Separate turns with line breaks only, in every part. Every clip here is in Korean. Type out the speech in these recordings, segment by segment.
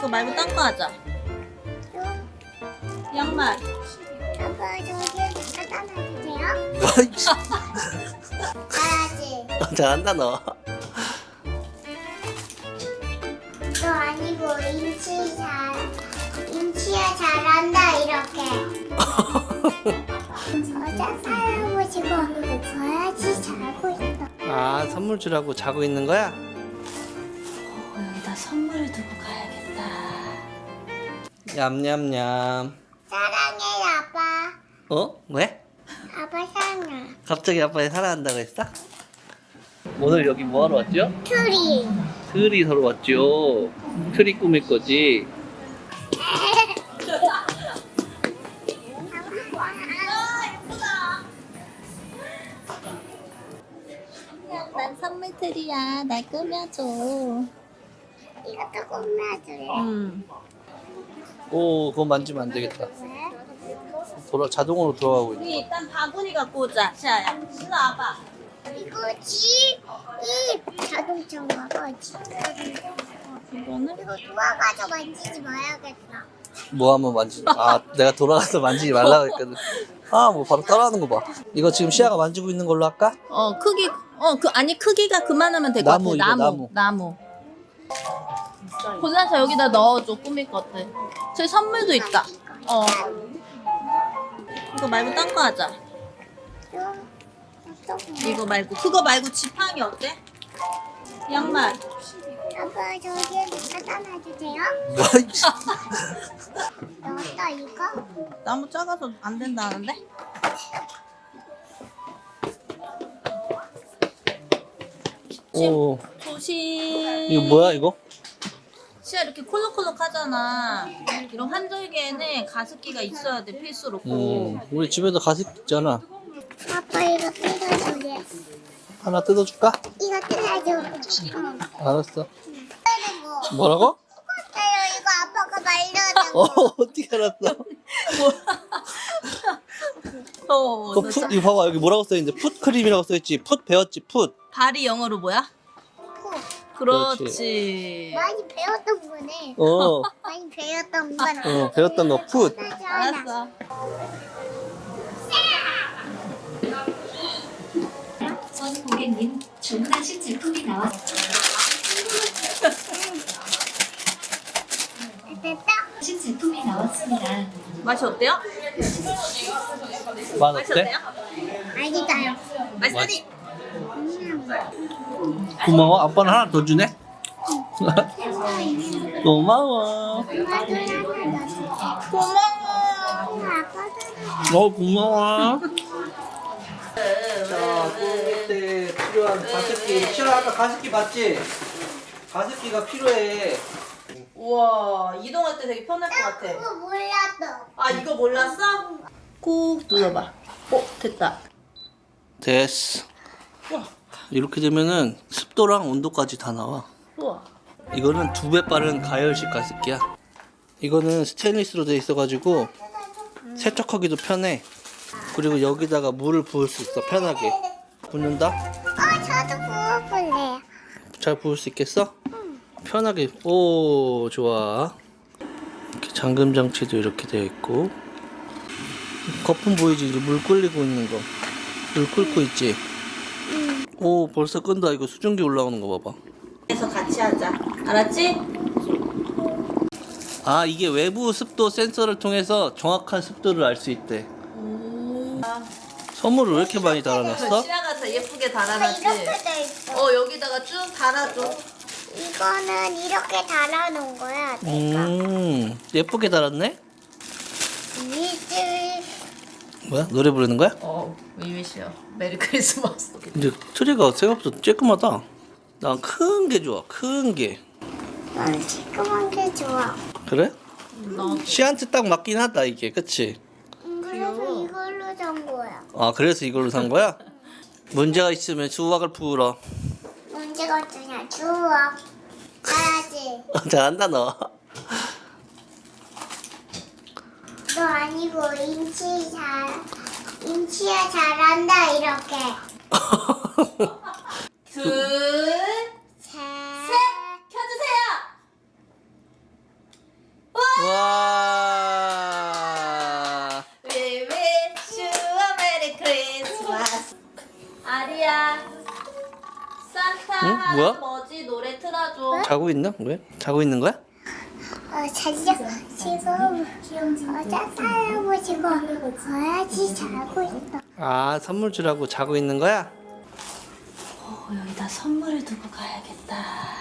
이거 말고 딴 거 하자. 양말.
아빠 저기 갖다 놔주세요.
어이씨.
알았지?
잘한다 너.
너 아니고 임치야 잘한다 이렇게. 어제 할아버지가 가야지 잘하고 있어.
아 선물 주라고 자고 있는 거야?
여기다 선물을 두고 가야겠다.
냠냠냠.
사랑해 아빠.
어? 왜?
아빠 사랑해.
갑자기 아빠를 사랑한다고 했어? 오늘 여기 뭐하러 왔죠?
트리.
트리 사러 왔죠. 트리 꾸밀 거지.
난 선물 트리야. 날 꾸며줘.
이것도 꾸며줄래?
오 그거 만지면 안 되겠다.
왜?
자동으로 돌아가고 있네.
우리 일단 바구니 갖고 오자. 시아야. 일로 와봐.
이거지? 이 자동차인가 봐.
이거는?
이거 도와가서 만지지 마야겠다.
뭐 한번 아 내가 돌아가서 만지지 말라고 했거든. 아 뭐 바로 따라하는 거 봐. 이거 지금 시아가 만지고 있는 걸로 할까?
크기, 아니, 크기가 그만하면 될 것 같아.
나무, 이거
나무. 골라서 여기다 넣어줘, 꾸밀 것들. 저기 선물도 있다. 이거 말고 딴 거 하자. 이거 말고. 그거 말고 지팡이 어때? 양말.
아빠 저기 갖다 놔주세요.
어이씨.
넣었다 이거?
나무 작아서 안 된다는데?
오
조심.
이거 뭐야 이거?
시야 이렇게 콜록콜록 하잖아. 이런 환절기에는 가습기가 있어야 돼, 필수로 꼭.
우리 집에도 가습 있잖아.
아빠 이거 뜯어줄래?
하나 뜯어줄까?
이거 뜯어줘.
알았어.
뭐?
뭐라고?
이거 아빠가 말려는 거.
어떻게 알았어?
너
이거 봐봐 여기 뭐라고 써있는데 풋크림이라고 써있지. 풋 배웠지 풋.
발이 영어로 뭐야? 그렇지.
많이 배웠던 거네. 많이 배웠던 건.
배웠던 거 풋.
알았어.
고객님, 주문하신 제품이 나왔습니다.
됐다.
하신 제품이 나왔습니다.
맛이 어때요?
맛
맛이
어때?
어때요?
알겠어요.
맛있니?
고마워. 아빠는 하나 더 주네. 고마워. 고마워. 자, 꾸밀 때 필요한 가습기. 시아 아까 가습기 봤지? 가습기가 필요해.
우와, 이동할 때 되게 편할 것 같아.
그거 몰랐어.
아, 이거 몰랐어? 꾹 눌러봐. 됐다.
됐어. 이렇게 되면은 습도랑 온도까지 다 나와.
우와.
이거는 2배 빠른 가열식 가습기야. 이거는 스테인리스로 돼 있어가지고 세척하기도 편해. 그리고 여기다가 물을 부을 수 있어. 편하게. 붓는다?
저도 부어볼래요.
잘 부을 수 있겠어? 편하게. 오 좋아. 이렇게 잠금 장치도 이렇게 되어 있고. 거품 보이지? 이제 물 끓이고 있는 거. 물 끓고 있지? 오 벌써 끈다. 이거 수증기 올라오는 거 봐봐.
그래서 같이 하자. 알았지?
아 이게 외부 습도 센서를 통해서 정확한 습도를 알 수 있대. 선물을 왜 이렇게 많이 달아놨어?
시아가 더 예쁘게
아빠
달아놨지?
이렇게 돼 있어.
여기다가 쭉 달아줘.
이거는 이렇게 달아놓은 거야.
예쁘게 달았네?
이제
뭐야? 노래 부르는 거야?
위위시요. 메리 크리스마스.
근데 트리가 생각보다 쬐끔하다. 난 큰 게 좋아. 큰 게.
난 시큼한 게 좋아.
그래?
나
시한테 딱 맞긴 하다 이게. 그치?
그래서 이걸로 산 거야.
아 그래서 이걸로 산 거야? 문제가 있으면 수학을 풀어.
문제가 없으냐? 주워. 가야지.
잘한다 너.
너 아니고 임치야 잘한다 이렇게.
둘,
셋.
켜주세요.
뭐야?
뭐지? 노래 틀어줘.
자고 있나? 왜? 자고 있는 거야?
자기가 지금 짠 할아버지가 어야지 자고 있어.
아, 선물 주라고 자고 있는 거야?
여기다 선물을 두고 가야겠다.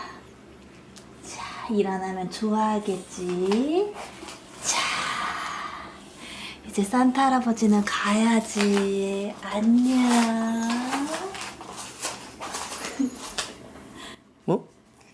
자, 일어나면 좋아하겠지. 자, 이제 산타 할아버지는 가야지. 안녕.
뭐?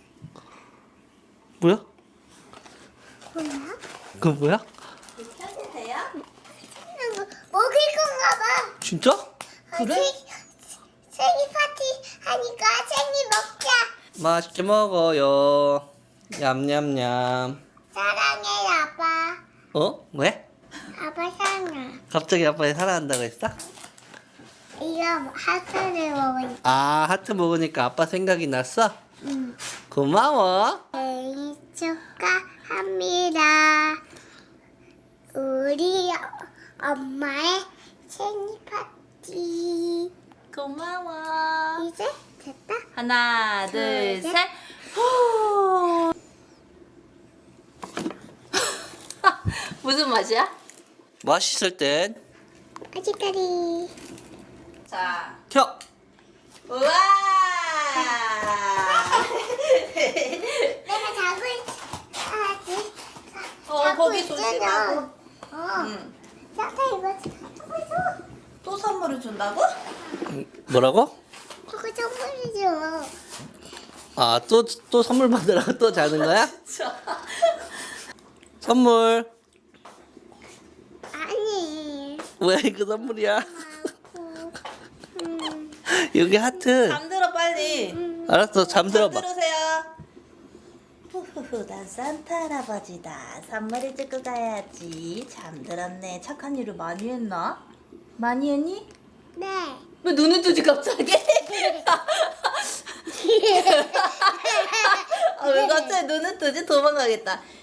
뭐야?
뭐야?
그거 뭐야?
켜도 돼요?
먹을 건가 봐.
진짜?
그래?
생일 파티 하니까 생일 먹자.
맛있게 먹어요. 냠냠냠.
사랑해 아빠.
어? 왜?
아빠 사랑해.
갑자기 아빠를 사랑한다고 했어?
이거 하트를 먹으니까.
아, 하트 먹으니까 아빠 생각이 났어?
응.
고마워.
생일 축하합니다. 우리 엄마의 생일 파티.
고마워.
이제 됐다.
하나, 둘,
둘, 셋.
셋. 후. 무슨 맛이야?
맛있을 땐
아직까지.
자,
켜.
우와!
내가 자고 있어야지.
거기 조심하고.
응. 잠깐 이거 저거 줘.
또 선물을 준다고?
뭐라고?
저거 선물이 줘.
아, 또 선물 받으라고 또 자는 거야? 선물.
아니.
왜 이거 선물이야?
아고.
여기 하트.
잠들어 빨리.
알았어, 잠들어봐.
잠들으세요. 후후후, 난 산타 할아버지다. 선물을 주고 가야지. 잠들었네. 착한 일을 많이 했나? 많이 했니?
네.
왜 눈을 뜨지 갑자기? 왜 갑자기 눈을 뜨지? 도망가겠다.